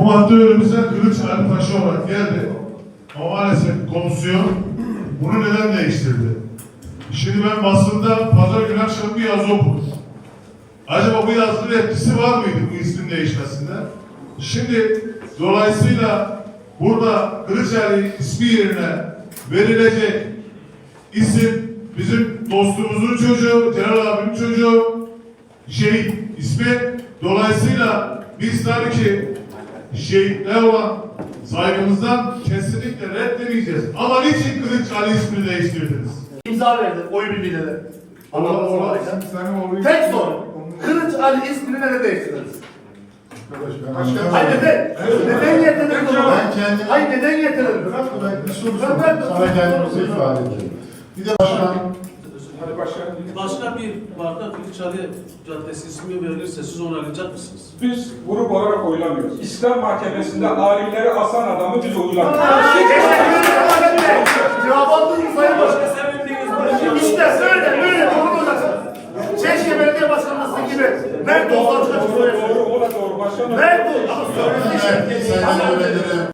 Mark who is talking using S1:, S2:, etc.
S1: Bu madde önümüze Kılıç Ali Paşa olarak geldi. Ama maalesef komisyon bunu neden değiştirdi? Şimdi ben basında pazar günü akşam bir yazı okudum. Acaba bu yazının etkisi var mıydı bu ismin değişmesinde? Şimdi dolayısıyla burada Kılıç Ali ismi yerine verilecek isim bizim dostumuzun çocuğu, Celal abimin çocuğu, şehit ismi. Dolayısıyla biz tabii ki şehitler olan saygımızdan kesinlikle reddedemeyeceğiz. Ama niçin Kılıç Ali ismini değiştirdiniz?
S2: İmza verdi oy birliğiyle. Tek soru. Kılıç Ali ismini neden değiştirdiniz? Hayır neden? Neden getirdiniz bunu? Hayır neden getirdiniz?
S3: Bir soru sana kendimizi ifade edelim. Bir de başkan.
S4: Başka bir barda Kılıç Ali Caddesi ismi verilirse siz onaylayacak mısınız?
S5: Biz grup olarak oylamıyoruz. İslam Mahkemesi'nde alimleri asan adamı biz oylamıyoruz.
S2: Cevap aldınız Sayın Başkan. İşte böyle doğru olacaksın. Çeşke Belediye Başkanlığı gibi. Nerede olsa açık açık söylüyorsun.
S5: Doğru, o da doğru. Başkanım.
S2: Nerede olsa söylüyorsun.
S3: Sayın Yönetirim.